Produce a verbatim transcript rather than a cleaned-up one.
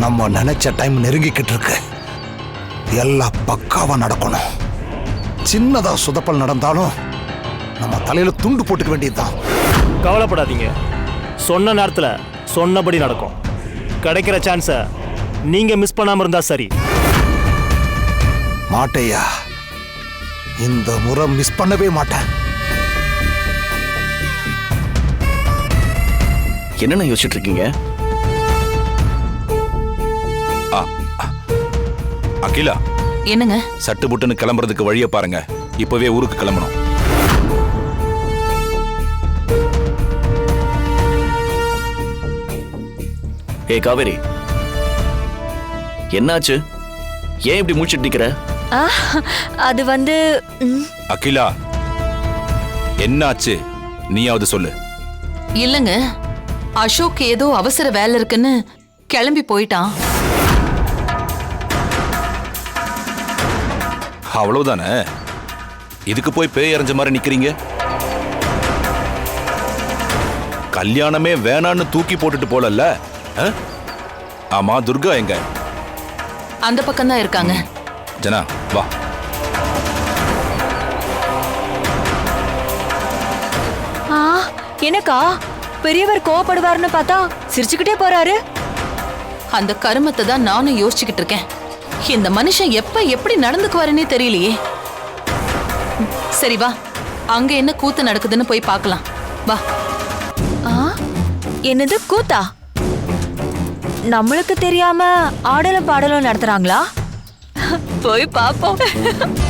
நம்ம நினைச்ச டைம் நெருங்கிக்கிட்டு இருக்கு. எல்லாம் பக்காவா நடக்கணும். சின்னதா சுதப்பல் நடந்தாலும் நம்ம தலையில துண்டு போட்டுக்க வேண்டியதுதான். கவலைப்படாதீங்க, சொன்ன நேரத்துல சொன்னபடி நடக்கும். கிடைக்கிற சான்ஸை நீங்க மிஸ் பண்ணாம இருந்தா சரி. மாட்டையா, இந்த முறை மிஸ் பண்ணவே மாட்டேன். என்னென்ன யோசிச்சுட்டு இருக்கீங்க? அகிலா, என்னங்க? சட்டு புட்டுன்னு கிளம்புறதுக்கு வழியை பாருங்க. இப்பவே ஊருக்கு கிளம்பணும். ஏ காவேரி, என்னாச்சு? ஏன் இப்படி மூச்சுட்டு நிக்கிற? அது வந்து அகிலா, என்னாச்சு? நீயாவது சொல்லு. இல்லங்க, அசோக் ஏதோ அவசர வேலை இருக்குன்னு கிளம்பி போயிட்டான். அவ்வளவுதானே? இதுக்கு போய் பேய் அரைஞ்ச மாதிரி நிக்கிறீங்க. கல்யாணமே வேணான்னு தூக்கி போட்டுட்டு போலல்ல. ஆமா, துர்கா எங்க? அந்த பக்கம் தான் இருக்காங்க. ஜனா வா. எனக்கா பெரியவர் கோவப்படுவார்னு பார்த்தா சிரிச்சுக்கிட்டே போறாரு. அந்த கருமத்தை தான் நானும் யோசிச்சுக்கிட்டு இருக்கேன். இந்த மனுஷன் எப்ப எப்படி நடந்துக்குவாருன்னே தெரியலையே. சரி வா, அங்க என்ன கூத்து நடக்குதுன்னு போய் பார்க்கலாம். வா. என்னது கூத்தா? நம்மளுக்கு தெரியாம ஆடலும் பாடலும் நடத்துறாங்களா? போய் பாப்போம்.